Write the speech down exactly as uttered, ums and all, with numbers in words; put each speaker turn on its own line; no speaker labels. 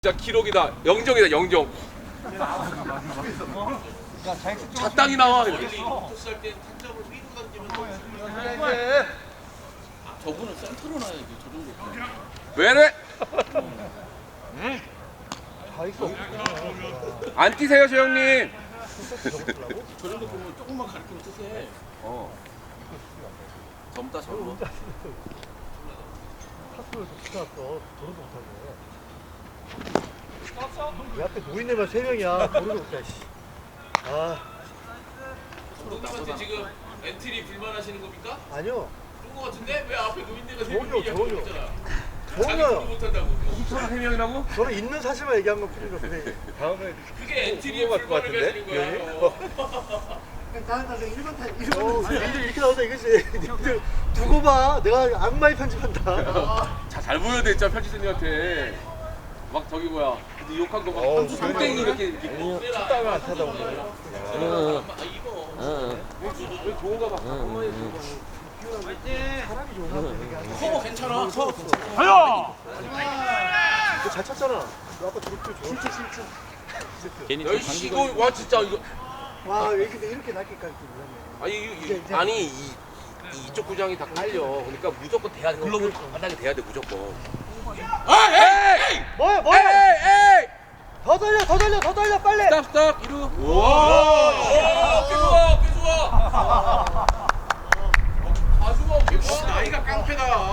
진짜 기록이다. 영정이다. 영정. 자땅이 나와.
저분은 센터로 놔야지. 저 정도.
왜래? 안 뛰세요, 저 형님.
저 정도 보면 조금만 가르치면 쓰세.
어. 젊다 젊어.
탑으로 붙여놨어. 도로도 못하게. 왜 앞에 노인네만 세 명이야. 도로도 못해. 씨. 아,
감독님한테 지금 엔트리 불만하시는 겁니까?
아니요.
그런 거 같은데 왜 앞에 노인네가 세
전혀,
명이
전혀.
있잖아. 자기
전혀요.
공부 못한다고.
서로 세 명이라고?
저는 있는 사실만 얘기한 것 뿐인 것 같은데. 다음에
그게 엔트리의 불만을 가지는 거야.
다음 타석 일 번 타 일 번 니들 이렇게 나오자 이거지. 니들 두고 봐. 내가 악마의 편집한다.
자, 잘 보여야 돼, 진짜 편집생님한테. 막 저기 뭐야. 근데 욕한 거 막
어우,
한두 손땡이 이렇게 이렇게.
춥다면 안 타다 오늘.
아 이거.
왜 좋은가 봐. 한마디 좋은 거.
사람이 좋은가 보네.
커버 괜찮아. 커버 괜찮아.
너잘 찼잖아. 너 아까 저렇게 좋아. 실제 실제.
괜히
야, 씨, 이거 와 진짜 이거.
와, 이렇게 이렇게 낮게까지 몰랐네.
아니 이,
이제,
이,
이제.
아니 이, 이 이쪽 구장이 다 깔려. 그러니까 무조건 돼야 돼. 글러브를 바닥에 돼야 돼 무조건. 아, 에이!
뭐야,
에이!
뭐야?
에이!
더 돌려, 더 돌려, 더 돌려, 빨리.
스탑 스탑 이루.
와, 꽤 좋아, 꽤 좋아. 아주마, 나이가 깡패다.